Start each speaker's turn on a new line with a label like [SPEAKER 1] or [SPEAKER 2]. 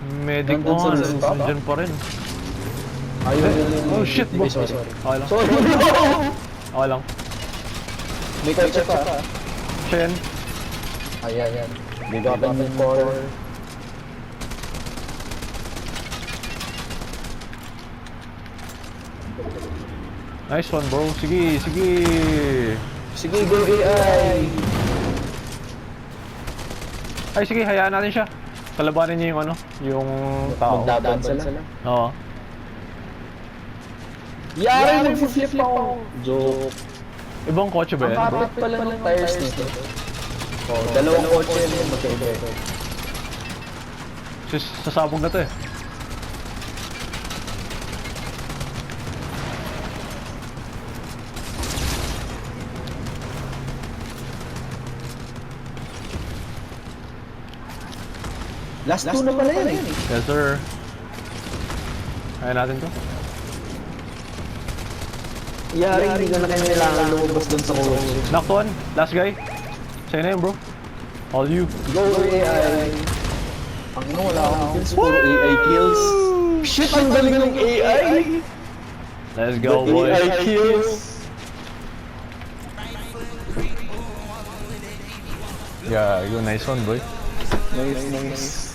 [SPEAKER 1] Medic mo nga, nandiyan pa rin. Oh shit bro.
[SPEAKER 2] Sorry.
[SPEAKER 1] Okay lang.
[SPEAKER 2] Sorry.
[SPEAKER 1] Okay lang.
[SPEAKER 2] May kotse pa.
[SPEAKER 1] Siya yan.
[SPEAKER 2] Ayan. Big up and core.
[SPEAKER 1] Nice one bro. Sige, sige.
[SPEAKER 2] Sige, go AI.
[SPEAKER 1] Ay sige, hayaan natin siya. Kalabanin niya yung ano, yung tao.
[SPEAKER 2] Magdaban sila.
[SPEAKER 1] Oo.
[SPEAKER 2] Yari, nag-flip ako. Joke.
[SPEAKER 1] Ibang kotse ba
[SPEAKER 2] Ang
[SPEAKER 1] yan bro?
[SPEAKER 2] kapit pala ng tires nito. Oh, dalawang kotse yun, magkaiba.
[SPEAKER 1] Sasabog na to eh.
[SPEAKER 2] Last two na pala yan eh.
[SPEAKER 1] Yes sir. Hayaan natin to.
[SPEAKER 2] Yari, hindi ka na kailangan lumabas dun sa kotse.
[SPEAKER 1] Knocked one. Last guy. Sa'yo na yun bro. All you.
[SPEAKER 2] Go AI. Ang ino, wala akong kills. Puro AI kills. Shit, ang galing ng AI.
[SPEAKER 1] Let's go boys.
[SPEAKER 2] AI kills.
[SPEAKER 1] Yeah, you nice one boy.
[SPEAKER 2] Nice.